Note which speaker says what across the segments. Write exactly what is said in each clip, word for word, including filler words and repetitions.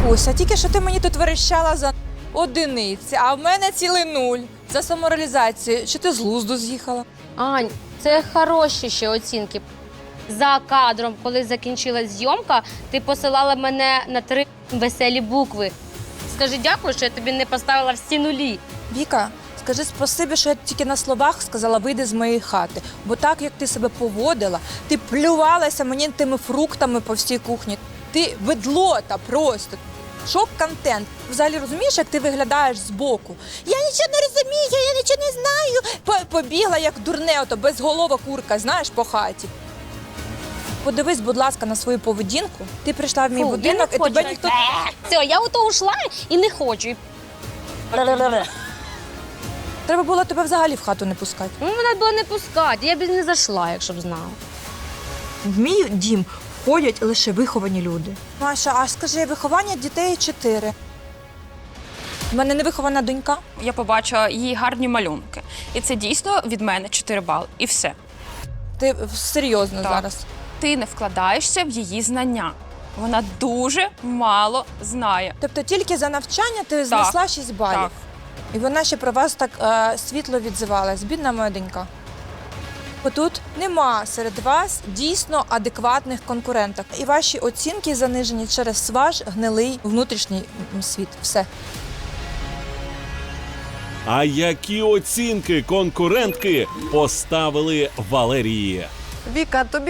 Speaker 1: Вікуся, тільки що ти мені тут верещала за одиниці, а в мене цілий нуль. За самореалізацію. Чи ти з глузду з'їхала?
Speaker 2: Ань, це хороші ще оцінки. За кадром, коли закінчилась зйомка, ти посилала мене на три веселі букви. Скажи дякую, що я тобі не поставила всі нулі.
Speaker 1: Віка, скажи спасибі, що я тільки на словах сказала «вийди з моєї хати». Бо так, як ти себе поводила, ти плювалася мені тими фруктами по всій кухні. Ти ведлота просто. Шок-контент. Взагалі розумієш, як ти виглядаєш збоку? Я нічого не розумію, я нічого не знаю. По- Побігла, як дурне, ото безголова курка, знаєш, по хаті. Подивись, будь ласка, на свою поведінку. Ти прийшла в мій
Speaker 2: Фу,
Speaker 1: будинок, і тебе ніхто...
Speaker 2: Все, я ото ушла і не хочу.
Speaker 1: Треба було тебе взагалі в хату не пускати.
Speaker 2: Ну, мене було не пускати, я б і не зайшла, якщо б знала.
Speaker 1: В мій дім ходять лише виховані люди. Маша, а скажи, виховання дітей чотири. У мене невихована донька.
Speaker 3: Я побачила її гарні малюнки. І це дійсно від мене чотири бали. І все.
Speaker 1: Ти серйозно
Speaker 3: Так.
Speaker 1: зараз?
Speaker 3: Ти не вкладаєшся в її знання. Вона дуже мало знає.
Speaker 1: Тобто тільки за навчання ти знесла шість балів.
Speaker 3: Так.
Speaker 1: І вона ще про вас так е, світло відзивалась. Бідна моя донька. Отут нема серед вас дійсно адекватних конкуренток. І ваші оцінки занижені через ваш гнилий внутрішній м, світ. Все.
Speaker 4: А які оцінки конкурентки поставили Валерії?
Speaker 5: Віка, тобі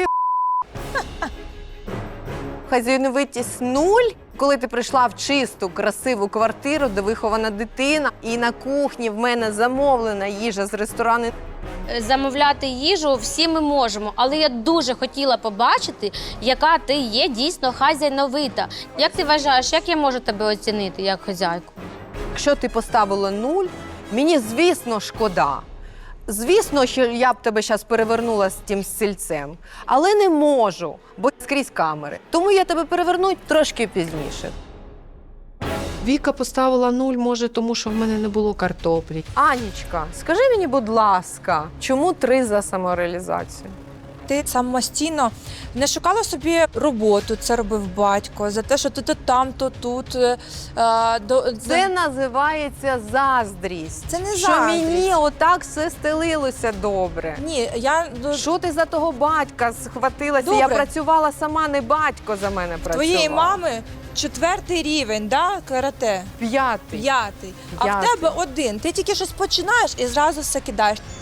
Speaker 5: хазяйновитість нуль, коли ти прийшла в чисту, красиву квартиру, де вихована дитина, і на кухні в мене замовлена їжа з ресторану.
Speaker 2: Замовляти їжу всі ми можемо, але я дуже хотіла побачити, яка ти є дійсно хазяйновита. Як ти вважаєш, як я можу тебе оцінити як хазяйку?
Speaker 5: Якщо ти поставила нуль, мені, звісно, шкода. Звісно, що я б тебе зараз перевернула з тим стільцем, але не можу, бо скрізь камери. Тому я тебе переверну трошки пізніше.
Speaker 6: Віка поставила нуль, може, тому що в мене не було картоплі.
Speaker 5: Анічка, скажи мені, будь ласка, чому три за самореалізацію?
Speaker 1: Ти самостійно не шукала собі роботу, це робив батько, за те, що ти то там, то тут. Е, до,
Speaker 5: Це називається заздрість.
Speaker 1: Це не
Speaker 5: що
Speaker 1: заздрість.
Speaker 5: мені отак все стелилося добре.
Speaker 1: Ні, я до
Speaker 5: Що ти за того батька схватилася?
Speaker 1: Добре.
Speaker 5: Я працювала сама, не батько за мене працював.
Speaker 1: твоєї мами четвертий рівень, да, карате?
Speaker 5: П'ятий.
Speaker 1: П'ятий. А в
Speaker 5: П'ятий.
Speaker 1: тебе один. Ти тільки щось починаєш і зразу все кидаєш.